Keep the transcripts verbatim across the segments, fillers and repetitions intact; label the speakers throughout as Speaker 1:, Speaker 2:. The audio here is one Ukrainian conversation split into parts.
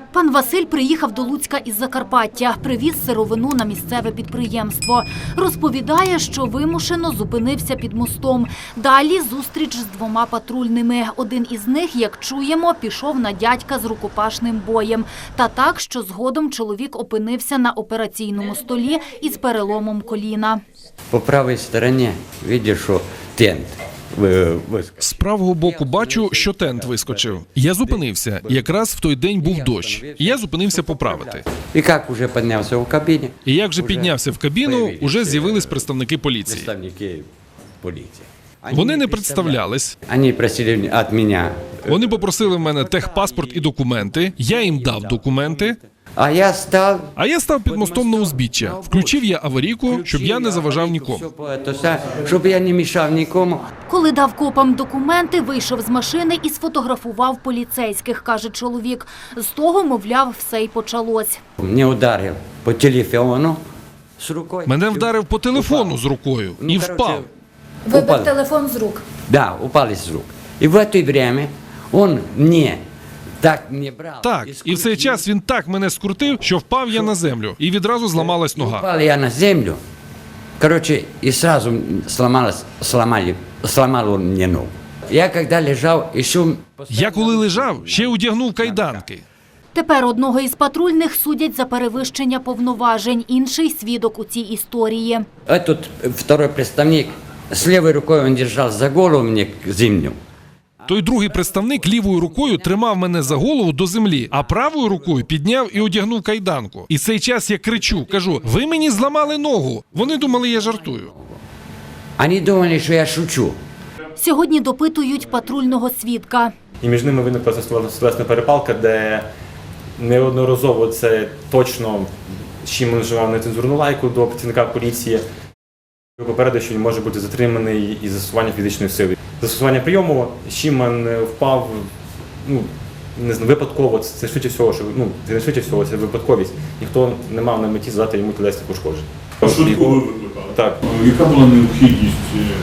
Speaker 1: Пан Василь приїхав до Луцька із Закарпаття, привіз сировину на місцеве підприємство. Розповідає, що вимушено зупинився під мостом. Далі зустріч з двома патрульними. Один із них, як чуємо, пішов на дядька з рукопашним боєм. Та так, що згодом чоловік опинився на операційному столі із переломом коліна.
Speaker 2: По правій стороні бачиш, що тент.
Speaker 3: З правого боку бачу, що тент вискочив. Я зупинився. Якраз в той день був дощ. Я зупинився поправити.
Speaker 2: І як вже піднявся в кабіні?
Speaker 3: І як же піднявся в кабіну, уже з'явились представники поліції.
Speaker 2: Представники поліції.
Speaker 3: Вони не представлялись.
Speaker 2: Вони просили від мене.
Speaker 3: Вони попросили в мене техпаспорт і документи. Я їм дав документи.
Speaker 2: А я став...
Speaker 3: А я став під мостом на узбіччя. Включив я аварійку, щоб я не заважав нікому.
Speaker 2: Щоб я не мішав нікому.
Speaker 1: Коли дав копам документи, вийшов з машини і сфотографував поліцейських, каже чоловік. З того, мовляв, все й почалось.
Speaker 2: Мене ударив по телефону з рукою.
Speaker 3: Мене вдарив по телефону з рукою і впав.
Speaker 1: Вибив телефон з рук.
Speaker 2: Да, упали з рук. І в це время він мені так не брав.
Speaker 3: Так, і в цей час він так мене скрутив, що впав я на землю, і відразу зламалась нога.
Speaker 2: Впав я на землю, короче, і одразу сломалась, сломали, сломало мені ногу. Я коли лежав, ще...
Speaker 3: Я коли лежав, ще одягнув кайданки.
Speaker 1: Тепер одного із патрульних судять за перевищення повноважень. Інший свідок у цій історії.
Speaker 2: Этот второй представник, з лівою рукою він держав за голову мені землю.
Speaker 3: Той другий представник лівою рукою тримав мене за голову до землі, а правою рукою підняв і одягнув кайданку. І цей час я кричу, кажу: "Ви мені зламали ногу". Вони думали, я жартую.
Speaker 2: Вони думали, що я шучу.
Speaker 1: Сьогодні допитують патрульного свідка.
Speaker 4: І між ними виникла словесна перепалка, де неодноразово це точно Шімон вживав нецензурну лайку до працівника поліції. Попередив, що він може бути затриманий із застосування фізичної сили. Застосування прийому Шімон впав, ну, не знаю, випадково, це швидше всього, що, ну, це не швидше всього, це випадковість. Ніхто не мав на меті задати йому тілесні пошкодження.
Speaker 5: Швидку ви викликали?
Speaker 4: Так.
Speaker 5: Яка була необхідність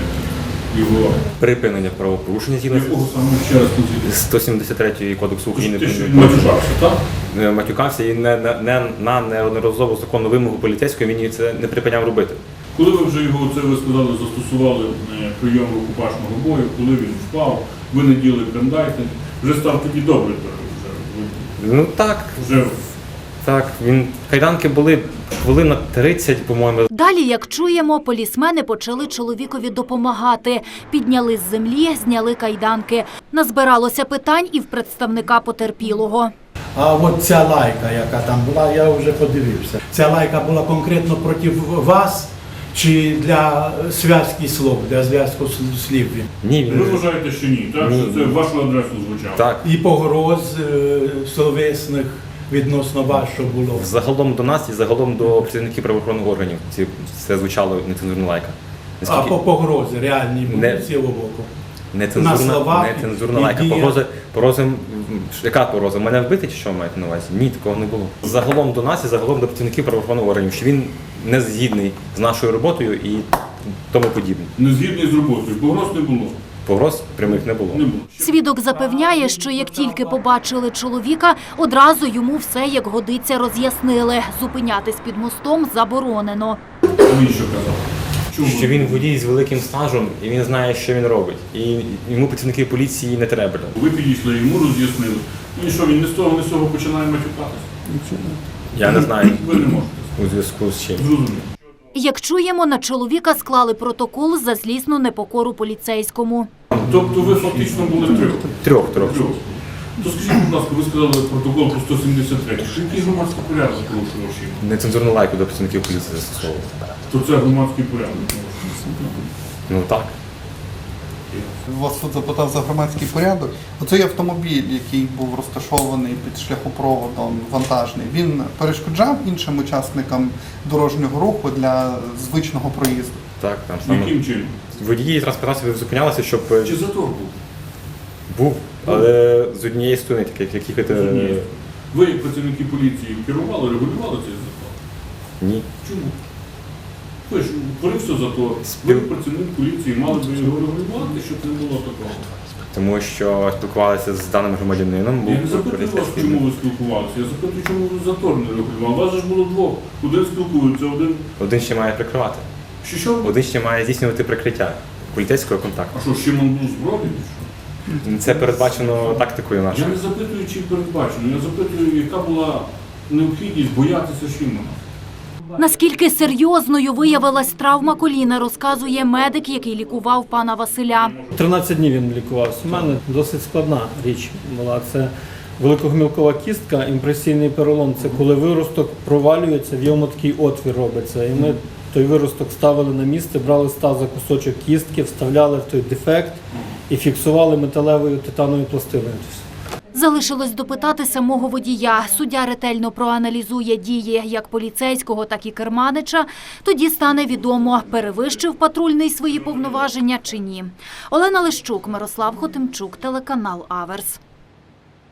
Speaker 5: його
Speaker 4: Припинення правопорушення згідно
Speaker 5: якого саме ще раз тут?
Speaker 4: сто сімдесят третього Кодексу України.
Speaker 5: Те, що він матюкався, так?
Speaker 4: Матюкався і не, не, не, на неодноразову законну вимогу поліцейського він це не припиняв робити.
Speaker 5: Коли ви вже його, це ви сказали, застосували прийом рукопашного бою, коли він впав, ви не діли брендайтинг, вже став тоді добре. Вже,
Speaker 4: Ну так,
Speaker 5: вже...
Speaker 4: так, він, кайданки були хвилин на тридцять, по-моєму.
Speaker 1: Далі, як чуємо, полісмени почали чоловікові допомагати. Підняли з землі, зняли кайданки. Назбиралося питань і в представника потерпілого.
Speaker 6: А от ця лайка, яка там була, я вже подивився. Ця лайка була конкретно проти вас чи для зв'язки слов, для зв'язку слів?
Speaker 4: Ні, він...
Speaker 5: Ви вважаєте, що ні, так?
Speaker 4: Ні.
Speaker 5: Що це в вашу адресу звучало?
Speaker 4: Так.
Speaker 6: І погроз е, словесних відносно вас, що було?
Speaker 4: Загалом до нас і загалом до працівників правоохоронних органів ці, це звучало нецензурна лайка.
Speaker 6: А по погрози реальні були
Speaker 4: Не-
Speaker 6: з цього боку?
Speaker 4: Нецензурна,
Speaker 6: на словах
Speaker 4: нецензурна
Speaker 6: і
Speaker 4: лайка.
Speaker 6: діях.
Speaker 4: Погрози, погрози, м, яка погроза? Мене вбити чи що ви маєте на увазі? Ні, такого не було. Загалом до нас і загалом до працівників правоохоронних органів, що він не згідний з нашою роботою і тому подібне.
Speaker 5: Не згідний з роботою, погроз не було.
Speaker 4: Погроз прямих не було.
Speaker 5: Не було.
Speaker 1: Свідок запевняє, що як тільки побачили чоловіка, одразу йому все як годиться роз'яснили. Зупинятись під мостом заборонено.
Speaker 5: А він що казав? Чому?
Speaker 4: Що він водій з великим стажем і він знає, що він робить. І йому працівники поліції не треба.
Speaker 5: Ви підійшли йому, роз'яснили. Ну і що, він не з того, не з того починає матюкатися?
Speaker 4: Я не знаю
Speaker 5: Ви не можете.
Speaker 4: у зв'язку з чим.
Speaker 5: Зрозуміло.
Speaker 1: Як чуємо, на чоловіка склали протокол за злісну непокору поліцейському.
Speaker 5: Тобто ви фактично були трьох?
Speaker 4: Трьох, трьох.
Speaker 5: Трьох. То скажіть, будь ласка, ви сказали протокол про сто сімдесят три. Який громадський порядок порушував Шімон?
Speaker 4: Нецензурну лайку до працівників поліції застосовував.
Speaker 5: То це громадський порядок.
Speaker 4: Ну так.
Speaker 7: Вас тут запитав за громадський порядок. Оцей автомобіль, який був розташований під шляхопроводом вантажний, він перешкоджав іншим учасникам дорожнього руху для звичного проїзду?
Speaker 4: Так, там саме.
Speaker 5: Яким чином?
Speaker 4: Водії транспортації зупинялися, щоб е,
Speaker 5: Чи затор був?
Speaker 4: був, але з однієї сторони, так як їхати.
Speaker 5: Ні. Ви, як працівники поліції, керували, регулювали цей затор?
Speaker 4: Ні.
Speaker 5: Чому? Ви ж утворився затор. Ви, працівник поліції, мали б його регулювати, щоб не було такого.
Speaker 4: тому що спілкувалися з даним громадянином. був
Speaker 5: Я не запитую вас, чому ви спілкувалися, я запитую, чому ви затор не регулювали. Вас же ж було двох. Один спілкується, один...
Speaker 4: Один ще має прикривати.
Speaker 5: Що, що?
Speaker 4: Один ще має здійснювати прикриття поліцейського контакту.
Speaker 5: А що, з чим він був збройний?
Speaker 4: Це передбачено тактикою
Speaker 5: Я
Speaker 4: нашою.
Speaker 5: не запитую, чи передбачено, я запитую, яка була необхідність боятися Шимона.
Speaker 1: Наскільки серйозною виявилась травма коліна, розказує медик, який лікував пана Василя.
Speaker 8: тринадцять днів він лікувався. У мене досить складна річ була. Це великогомілкова кістка, імпресійний перелом. Це коли виросток провалюється, в йому такий отвір робиться. І ми той виросток ставили на місце, брали з таза кусочок кістки, вставляли в той дефект і фіксували металевою титановою пластиною.
Speaker 1: Залишилось допитати самого водія. Суддя ретельно проаналізує дії як поліцейського, так і керманича. Тоді стане відомо, перевищив патрульний свої повноваження чи ні. Олена Лищук, Мирослав Хотимчук, телеканал Аверс.